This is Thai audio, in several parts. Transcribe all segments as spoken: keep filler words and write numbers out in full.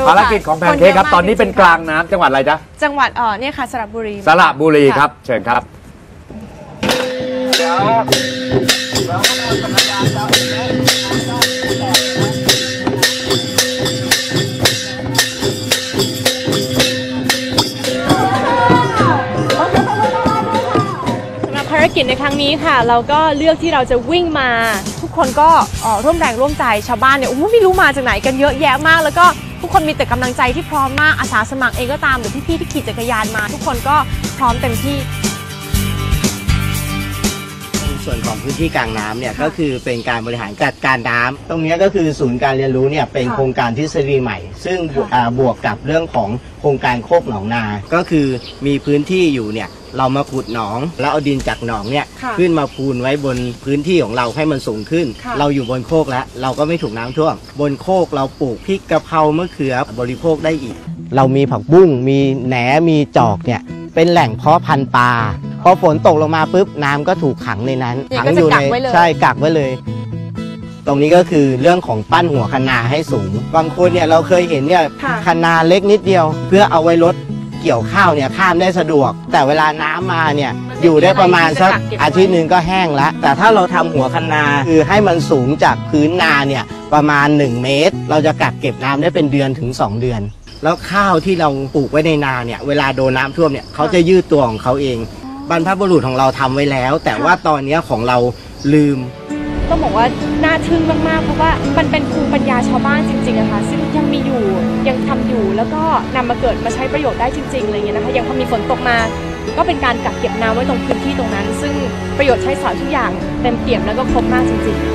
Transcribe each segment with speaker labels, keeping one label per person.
Speaker 1: ภารกิจของแพนเค้กครับตอนนี้เป็นกลางน้ำจังหวัดอะไรจ๊ะ
Speaker 2: จังหวัดเออเนี่ยค่ะสระบุรี
Speaker 1: สระบุรีครับเชิญครับ
Speaker 2: ภารกิจในครั้งนี้ค่ะเราก็เลือกที่เราจะวิ่งมาทุกคนก็ร่วมแรงร่วมใจชาวบ้านเนี่ยโอ้ไม่รู้มาจากไหนกันเยอะแยะมากแล้วก็ทุกคนมีแต่กำลังใจที่พร้อมมากอาสาสมัครเองก็ตามหรือพี่ๆที่ขี่จักรยานมาทุกคนก็พร้อมเต็มที่
Speaker 3: ส่วนของพื้นที่กลางน้ำเนี่ยก็คือเป็นการบริหารจัดการน้ำตรงนี้ก็คือศูนย์การเรียนรู้เนี่ยเป็นโครงการทฤษฎีใหม่ซึ่งบวกกับเรื่องของโครงการโคกหนองนาก็คือมีพื้นที่อยู่เนี่ยเรามาขุดหนองแล้วเอาดินจากหนองเนี่ยขึ้นมาพูนไว้บนพื้นที่ของเราให้มันสูงขึ้นเราอยู่บนโคกแล้วเราก็ไม่ถูกน้ำท่วมบนโคกเราปลูกพริกกะเพรามะเขือบริโภคได้อีกเรามีผักบุ้งมีแหนมีจอกเนี่ยเป็นแหล่งเพาะพันธุ์ปลาพอฝนตกลงมาปุ๊บน้ำก็ถูกขังในนั้นขังอยู่ในใช่กักไว้เลยตรงนี้ก็คือเรื่องของปั้นหัวคะนาให้สูงบางคนเนี่ยเราเคยเห็นเนี่ยคะนาเล็กนิดเดียวเพื่อเอาไว้รถเกี่ยวข้าวเนี่ยข้ามได้สะดวกแต่เวลาน้ำมาเนี่ยอยู่ได้ประมาณสักอาทิตย์หนึ่งก็แห้งแล้วแต่ถ้าเราทำหัวคะนาคือให้มันสูงจากพื้นนาเนี่ยประมาณหนึ่งเมตรเราจะกักเก็บน้ำได้เป็นเดือนถึงสองเดือนแล้วข้าวที่เราปลูกไว้ในนาเนี่ยเวลาโดนน้ำท่วมเนี่ยเขาจะยืดตัวของเขาเองบรรพบุรุษของเราทำไว้แล้วแต่ว่าตอนนี้ของเราลืม
Speaker 2: ต้องบอกว่าน่าทึ่งมากๆเพราะว่ามันเป็นภูมิปัญญาชาวบ้านจริงๆอะค่ะซึ่งยังมีอยู่ยังทำอยู่แล้วก็นำมาเกิดมาใช้ประโยชน์ได้จริงๆอะไรอย่างเงี้ยนะคะยังพอมีฝนตกมาก็เป็นการกักเก็บน้ำไว้ตรงพื้นที่ตรงนั้นซึ่งประโยชน์ใช้สอยทุกอย่างเต็มเปี่ยมแล้วก็ครบมากจริงๆ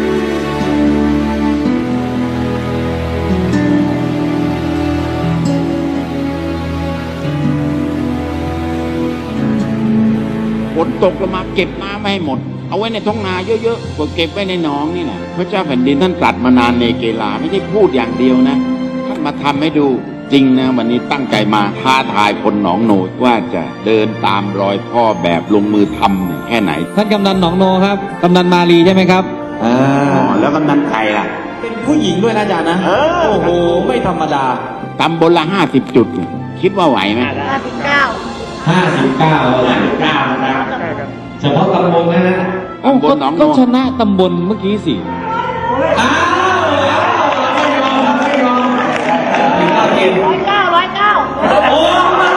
Speaker 4: ฝนตกลงมาเก็บน้ำไม่ให้หมดเอาไว้ในท้องนาเยอะๆกว่าเก็บไว้ในหนองนี่แหละพระเจ้าแผ่นดินท่านตรัสมานานในเกลาไม่ใช่พูดอย่างเดียวนะท่านมาทำให้ดูจริงนะวันนี้ตั้งใจมาท้าทายคนหนองโนว่าจะเดินตามรอยพ่อแบบลงมือทำแค่ไหน
Speaker 5: ท่านกำนันหนองโนครับกำนันมาลีใช่ไหมครับ
Speaker 4: อ๋อแล้วกำนันใครล่ะ
Speaker 5: เป็นผู้หญิงด้วยนะอาจารย์นะโอ้โหไม่ธรรมดา
Speaker 4: ตำบลละห้าสิบจุดคิดว่าไหวไหม
Speaker 2: ห้าสิบเก้า
Speaker 5: ห้าสิบเก้าห้าสิบเก้านะครับเฉพาะตำบลนะฮะก็ชนะตำบลเมื่อกี้สิอ้าวไม่ยอมไม่ยอม
Speaker 2: ร้อยเก้าร้อยเก้า
Speaker 5: โอ้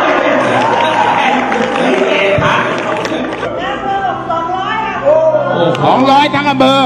Speaker 4: สองร้อยทั้งอำเภอ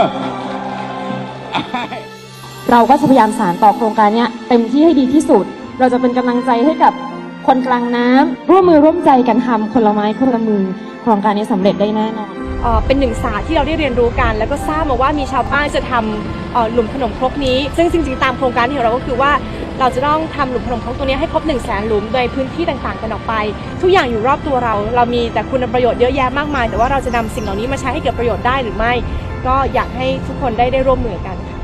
Speaker 6: เราก็จะพยายามสานต่อโครงการนี้เต็มที่ให้ดีที่สุดเราจะเป็นกำลังใจให้กับคนกลางน้ำร่วมมือร่วมใจกันทำคนละไม้คนละมือโครงการนี้สำเร็จได้แน่นอน
Speaker 2: เป็นหนึ่งศาสตร์ที่เราได้เรียนรู้กันแล้วก็ทราบมาว่ามีชาวบ้านจะทำหลุมขนมครกนี้ซึ่งจริงๆตามโครงการของเราก็คือว่าเราจะต้องทำหลุมขนมครกตัวนี้ให้ครบหนึ่งแสนหลุมโดยพื้นที่ต่างๆกันออกไปทุกอย่างอยู่รอบตัวเราเรามีแต่คุณประโยชน์เยอะแยะมากมายแต่ว่าเราจะนำสิ่งเหล่านี้มาใช้ให้เกิดประโยชน์ได้หรือไม่ก็อยากให้ทุกคนได้ได้ร่วมมือกันค่ะ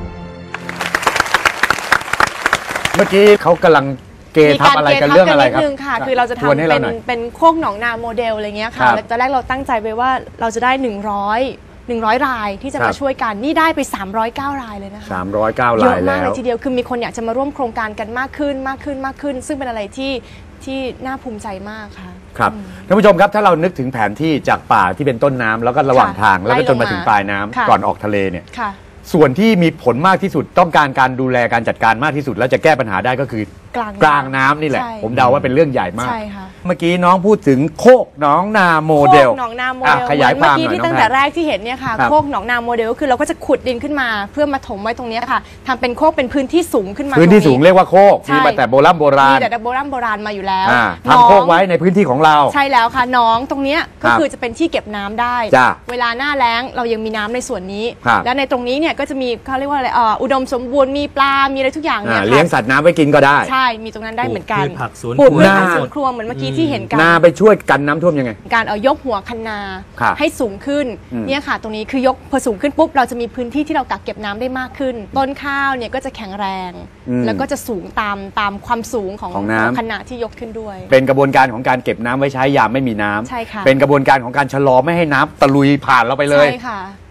Speaker 1: เมื่อกี้เขากำลังเกทับอะไรกันเรื่องอะไรครับ
Speaker 2: คือเราจะทำเป็นเป็นโคกหนองนาโมเดลอะไรเงี้ยค่ะตอนแรกเราตั้งใจไว้ว่าเราจะได้หนึ่งร้อยหนึ่งร้อยรายที่จะมาช่วยกันนี่ได้ไปสามร้อยเก้ารายเลยนะคะ
Speaker 1: สามร้อยเก้ารายแล้วเยอะ
Speaker 2: มากเลยทีเดียวคือมีคนอยากจะมาร่วมโครงการกันมากขึ้นมากขึ้นมากขึ้นซึ่งเป็นอะไรที่ที่น่าภูมิใจมากค่ะ
Speaker 1: ครับท่านผู้ชมครับถ้าเรานึกถึงแผนที่จากป่าที่เป็นต้นน้ำแล้วก็ระหว่างทางแล้วก็จนมาถึงปลายน้ำก่อนออกทะเลเนี่ยส่วนที่มีผลมากที่สุดต้องการการดูแลการจัดการมากที่สุดแล้วจะแก้ปัญหาได้ก็คือกลางน้ำนี่แหละผมเดาว่าเป็นเรื่องใหญ่มากเมื่อกี้น้องพูดถึงโคกหนองนาโมเดล
Speaker 2: โคกหนองนาโมเดลขยายความหน่อยเมื่อกี้ที่ตั้งแต่แรกที่เห็นเนี่ยค่ะโคกหนองนาโมเดลก็คือเราก็จะขุดดินขึ้นมาเพื่อมาถมไว้ตรงนี้ค่ะทำเป็นโคกเป็นพื้นที่สูงขึ้นมา
Speaker 1: พื้นที่สูงเรียกว่าโคกมีมาแต่โบราณโบราณ
Speaker 2: มีแต่โบราณโบราณมาอยู่แล้ว
Speaker 1: ทำโคกไว้ในพื้นที่ของเรา
Speaker 2: ใช่แล้วค่ะน้องตรงนี้ก็คือจะเป็นที่เก็บน้ำได้เวลาหน้าแล้งเรายังมีน้ำในส่วนนี้และในตรงนี้เนี่ยก็จะมีเขาเรียกว่าอะไรอุดมสมบูรณ์มีปลามีอะไรทุกอย่างเนี่ย
Speaker 1: เลี้ยงสัตว์น้ำไว้กินก็ได้
Speaker 2: ใช่มีตรงนั้นได้เหมือนกัน
Speaker 5: ปลูก
Speaker 2: พืชผักสวนครัวเหมือนเมื่อกี้ที่เห็นกัน
Speaker 1: นาไปช่วยกันน้ำท่วมยังไง
Speaker 2: การเอายกหัวคันนาให้สูงขึ้นเนี่ยค่ะตรงนี้คือยกพอสูงขึ้นปุ๊บเราจะมีพื้นที่ที่เรากักเก็บน้ำได้มากขึ้นต้นข้าวเนี่ยก็จะแข็งแรงแล้วก็จะสูงตามตามความสูงของคันนาที่ยกขึ้นด้วย
Speaker 1: เป็นกระบวนการของการเก็บน้ำไว้ใช้ยามไม่มีน้ำ
Speaker 2: ใช่ค่ะ
Speaker 1: เป็นกระบวนการของการชะลอไม่ให้น้ำตะลุยผ่านเราไปเลย
Speaker 2: ใช่ค่ะ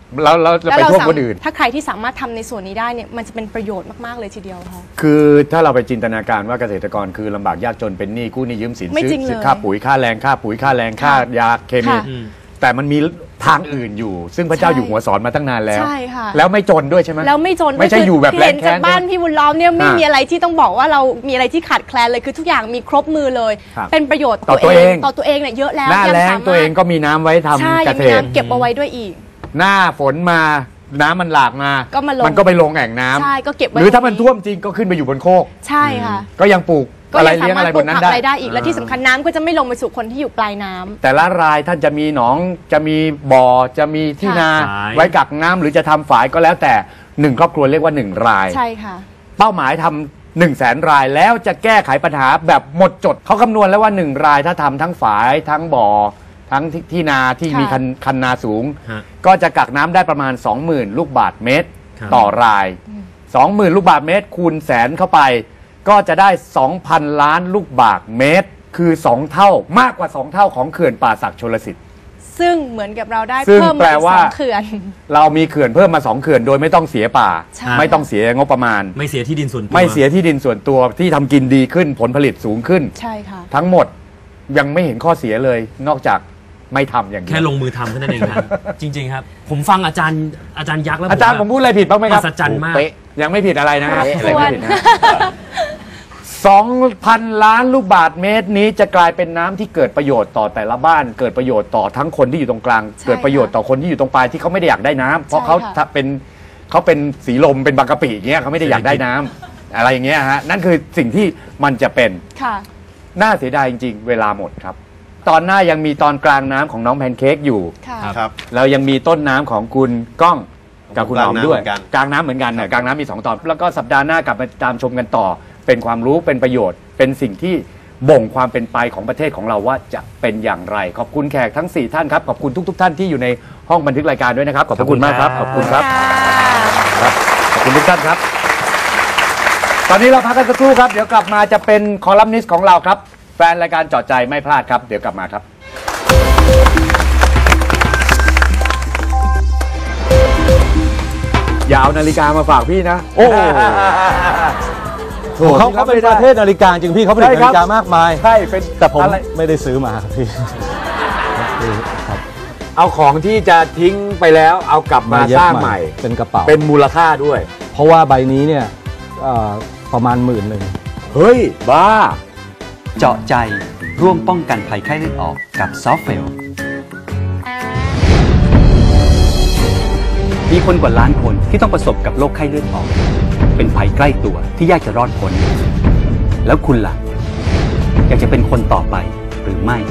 Speaker 1: แล้วเราจะไปโทษคนอื่น
Speaker 2: ถ้าใครที่สามารถทำในส่วนนี้ได้เนี่ยมันจะเป็นประโยชน์มากๆเลยทีเดียวค่ะ
Speaker 1: คือถ้าเราไปจินตนาการว่าเกษตรกรคือลำบากยากจนเป็นหนี้กู้หนี้ยืมสินซื้อค่าปุ๋ยค่าแรงค่าปุ๋ยค่าแรงค่ายาเคมีแต่มันมีทางอื่นอยู่ซึ่งพระเจ้าอยู่หัวสอนมาตั้งนานแล้ว
Speaker 2: ใช่ค่ะ
Speaker 1: แล้วไม่จนด้วยใช่ไหม
Speaker 2: แล้วไม่จน
Speaker 1: ไม่ใช่อยู่แบบแรงแค้น
Speaker 2: บ้านพี่บุญล้อมเนี่ยไม่มีอะไรที่ต้องบอกว่าเรามีอะไรที่ขาดแคลนเลยคือทุกอย่างมีครบมือเลยเป็นประโยชน์
Speaker 1: ต่อตัวเอง
Speaker 2: ต่อตัวเองเนี่ยเยอะแล้ว
Speaker 1: หน้าแล้งตัวเองก็มีน้ำไว้ทำเกษตร
Speaker 2: เก็บเอาไว้ด้วยอีก
Speaker 1: หน้าฝนมาน้ำมันหลากมา
Speaker 2: ก็มาลง
Speaker 1: มันก็ไปลงแอ่งน้ำ
Speaker 2: ใช่ก็เก็บไว้
Speaker 1: หรือถ้ามันท่วมจริงก็ขึ้นไปอยู่บนโคก
Speaker 2: ใช่ค่ะ
Speaker 1: ก็ยังปลูกอะไรเลี้ยงอะไรบนนั้นได้
Speaker 2: ได้อีกและที่สำคัญน้ำก็จะไม่ลงไปสู่คนที่อยู่ปลายน้ำ
Speaker 1: แต่ละรายท่านจะมีหนองจะมีบ่อจะมีที่นาไว้กักน้ำหรือจะทำฝายก็แล้วแต่หนึ่งครอบครัวเรียกว่าหนึ่งราย
Speaker 2: ใช่ค่ะ
Speaker 1: เป้าหมายทำหนึ่งแสนรายแล้วจะแก้ไขปัญหาแบบหมดจดเขาคำนวณแล้วว่าหนึ่งรายถ้าทำทั้งฝายทั้งบ่อทั้งที่นาที่มีคันคันนาสูงก็จะกักน้ำได้ประมาณ สองหมื่น ลูกบาศก์เมตรต่อราย สองหมื่น ลูกบาศก์เมตรคูณแสนเข้าไปก็จะได้ สองพัน ล้านลูกบาศก์เมตรคือสองเท่ามากกว่าสองเท่าของเขื่อนป่าสักชลสิทธิ์
Speaker 2: ซึ่งเหมือนกับเราได้เพิ่มมาสองเขื่อน
Speaker 1: เรามีเขื่อนเพิ่มมาสองเขื่อนโดยไม่ต้องเสียป่าไม่ต้องเสียงบประมาณ
Speaker 5: ไม่เสียที่ดินส่วนตัว
Speaker 1: ไม่เสียที่ดินส่วนตัวที่ทำกินดีขึ้นผลผลิตสูงขึ้น
Speaker 2: ใช่ค่ะ
Speaker 1: ทั้งหมดยังไม่เห็นข้อเสียเลยนอกจากไม่ทำอย่างนี้
Speaker 5: แค่ลงมือทำเท่านั้นเองครับจริงๆครับผมฟังอาจารย์อาจารย์ยักษ์แล้ว
Speaker 1: อาจารย์ผมพูดอะไรผิดบ้างไหมครับ
Speaker 5: มหัศจรรย์มาก
Speaker 1: ยังไม่ผิดอะไรนะครับสองพัน ล้านลูกบาศก์เมตรนี้จะกลายเป็นน้ำที่เกิดประโยชน์ต่อแต่ละบ้านเกิดประโยชน์ต่อทั้งคนที่อยู่ตรงกลางเกิดประโยชน์ต่อคนที่อยู่ตรงปลายที่เขาไม่ได้อยากได้น้ำเพราะเขาเป็นเขาเป็นสีลมเป็นบางกะปิอย่างเงี้ยเขาไม่ได้อยากได้น้ำอะไรอย่างเงี้ยฮะนั่นคือสิ่งที่มันจะเป็นน่าเสียดายจริงๆเวลาหมดครับตอนหน้ายังมีตอนกลางน้ำของน้องแพนเค้กอยู่
Speaker 3: ครับ
Speaker 1: เรายังมีต้นน้ำของคุณก้องกับคุณหอมด้วยกลางน้ำเหมือนกันนะกลางน้ำมีสองตอนแล้วก็สัปดาห์หน้ากลับมาตามชมกันต่อเป็นความรู้เป็นประโยชน์เป็นสิ่งที่บ่งความเป็นไปของประเทศของเราว่าจะเป็นอย่างไรขอบคุณแขกทั้งสี่ท่านครับขอบคุณทุกๆท่านที่อยู่ในห้องบันทึกรายการด้วยนะครับขอบคุณมากครับขอบคุณครับขอบคุณทุกท่านครับตอนนี้เราพักกันสักครู่ครับเดี๋ยวกลับมาจะเป็นคอลัมนิสต์ของเราครับแฟนรายการเจาะใจไม่พลาดครับเดี๋ยวกลับมาครับอย่าเอานาฬิกามาฝากพี่นะโอ้
Speaker 7: เขาเขาเป็นประเทศนาฬิกาจริงพี่เขาผลิตนาฬิกามากมาย
Speaker 1: ใช่เป็น
Speaker 7: แต่ผมไม่ได้ซื้อมาครับพี่
Speaker 1: เอาของที่จะทิ้งไปแล้วเอากลับมาสร้างใหม่
Speaker 7: เป็นกระเป๋า
Speaker 1: เป็นมูลค่าด้วย
Speaker 7: เพราะว่าใบนี้เนี่ยประมาณหมื่นหนึ่ง
Speaker 1: เฮ้ยบ้า
Speaker 8: เจาะใจร่วมป้องกันภัยไข้เลือดออกกับซอฟเฟลมีคนกว่าล้านคนที่ต้องประสบกับโรคไข้เลือดออกเป็นภัยใกล้ตัวที่ยากจะรอดพ้นแล้วคุณล่ะอยากจะเป็นคนต่อไปหรือไม่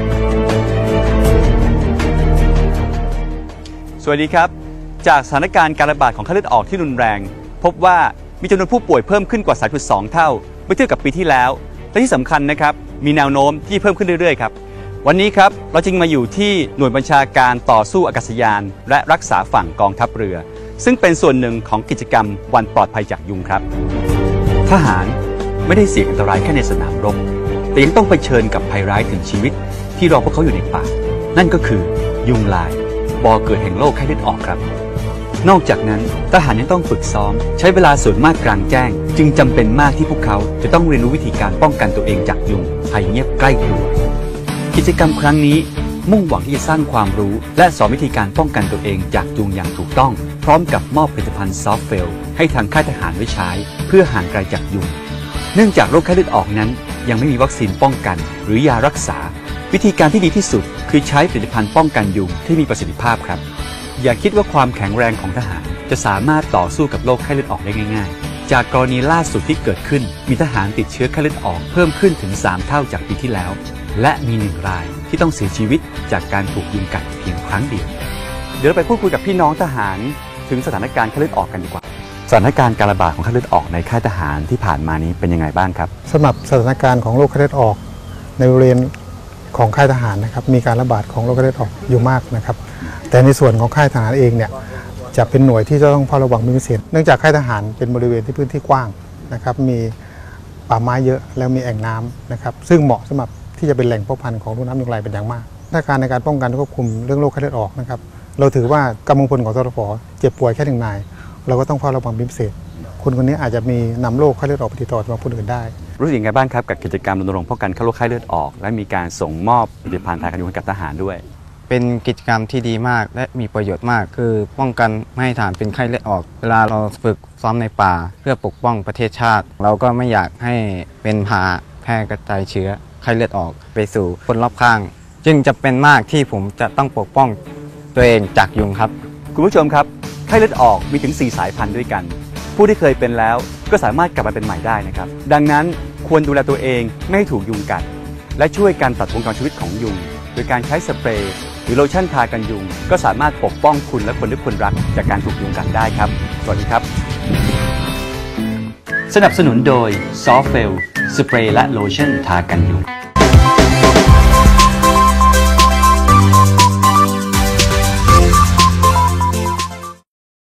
Speaker 8: สวัสดีครับจากสถานการณ์การระบาดของไข้เลือดออกที่รุนแรงพบว่ามีจำนวนผู้ป่วยเพิ่มขึ้นกว่า สามจุดสอง เท่าเมื่อเทียบกับปีที่แล้วและที่สำคัญนะครับมีแนวโน้มที่เพิ่มขึ้นเรื่อยๆครับวันนี้ครับเราจึงมาอยู่ที่หน่วยบัญชาการต่อสู้อากาศยานและรักษาฝั่งกองทัพเรือซึ่งเป็นส่วนหนึ่งของกิจกรรมวันปลอดภัยจากยุงครับทหารไม่ได้เสี่ยงอันตรายแค่ในสนามรบแต่ยังต้องเผชิญกับภัยร้ายถึงชีวิตที่รอพวกเขาอยู่ในป่านั่นก็คือยุงลายบ่อเกิดแห่งโรคไข้เลือดออกครับนอกจากนั้นทหารยังต้องฝึกซ้อมใช้เวลาส่วนมากกลางแจ้งจึงจำเป็นมากที่พวกเขาจะต้องเรียนรู้วิธีการป้องกันตัวเองจากยุงภัยเงียบใกล้ตัวกิจกรรมครั้งนี้มุ่งหวังที่จะสร้างความรู้และสอนวิธีการป้องกันตัวเองจากยุงอย่างถูกต้องพร้อมกับมอบผลิตภัณฑ์ซอฟเฟลให้ทางค่ายทหารไว้ใช้เพื่อห่างไกลจากยุงเนื่องจากโรคไข้เลือดออกนั้นยังไม่มีวัคซีนป้องกันหรือยารักษาวิธีการที่ดีที่สุดคือใช้ผลิตภัณฑ์ป้องกันยุงที่มีประสิทธิภาพครับอย่าคิดว่าความแข็งแรงของทหารจะสามารถต่อสู้กับโรคไข้เลือดออกได้ง่ายๆจากกรณีล่าสุดที่เกิดขึ้นมีทหารติดเชื้อไข้เลือดออกเพิ่มขึ้นถึงสามเท่าจากปีที่แล้วและมีหนึ่งรายที่ต้องเสียชีวิตจากการถูกยุงกัดเพียงครั้งเดียวเดี๋ยวเราไปพูดคุยกับพี่น้องทหารถึงสถานการณ์ไข้เลือดออกกันดีกว่าสถานการณ์การระบาดของไข้เลือดออกในค่ายทหารที่ผ่านมานี้เป็นยังไงบ้างครับ
Speaker 9: สำหรับสถานการณ์ของโรคไข้เลือดออกในบริเวณของค่ายทหารนะครับมีการระบาดของโรคไข้เลือดออกอยู่มากนะครับแต่ในส่วนของค่ายทหารเองเนี่ยจะเป็นหน่วยที่จะต้องเฝ้าระวังเป็นพิเศษเนื่องจากค่ายทหารเป็นบริเวณที่พื้นที่กว้างนะครับมีป่าไม้เยอะแล้วมีแอ่งน้ำนะครับซึ่งเหมาะสำหรับที่จะเป็นแหล่งเพาะพันธุ์ของลูกน้ำยุงลายเป็นอย่างมากมาตรการในการป้องกันควบคุมเรื่องโรคไข้เลือดออกนะครับเราถือว่ากำลังพลของทรฟเจ็บป่วยแค่หนึ่งนายเราก็ต้องเฝ้าระวังเป็นพิเศษคนคนนี้อาจจะมีนำโรคไข้เลือดออกไปติดต่อกับคนอื่นได้
Speaker 8: รู้สึกยังไงบ้างครับกับกิจกรรมรณรงค์ป้องกันโรคไข้เลือดออกและมีการส่งมอบผลิตภัณฑ์ทากันยุงให้กับทหารด้วย
Speaker 10: เป็นกิจกรรมที่ดีมากและมีประโยชน์มากคือป้องกันไม่ให้ทหารเป็นไข้เลือดออกเวลาเราฝึกซ้อมในป่าเพื่อปกป้องประเทศชาติเราก็ไม่อยากให้เป็นพาแพร่กระจายเชื้อไข้เลือดออกไปสู่คนรอบข้างจึงจะเป็นมากที่ผมจะต้องปกป้องตัวเองจากยุงครับ
Speaker 8: คุณผู้ชมครับไข้เลือดออกมีถึงสี่สายพันธุ์ด้วยกันผู้ที่เคยเป็นแล้วก็สามารถกลับมาเป็นใหม่ได้นะครับดังนั้นควรดูแลตัวเองไม่ให้ถูกยุงกัดและช่วยการตัดวงจรชีวิตของยุงโดยการใช้สเปรย์หรือโลชั่นทากันยุงก็สามารถปกป้องคุณและคนที่คุณรักจากการถูกยุงกัดได้ครับสวัสดีครับสนับสนุนโดยซอฟเฟลสเปรย์และโลชั่นทากันยุง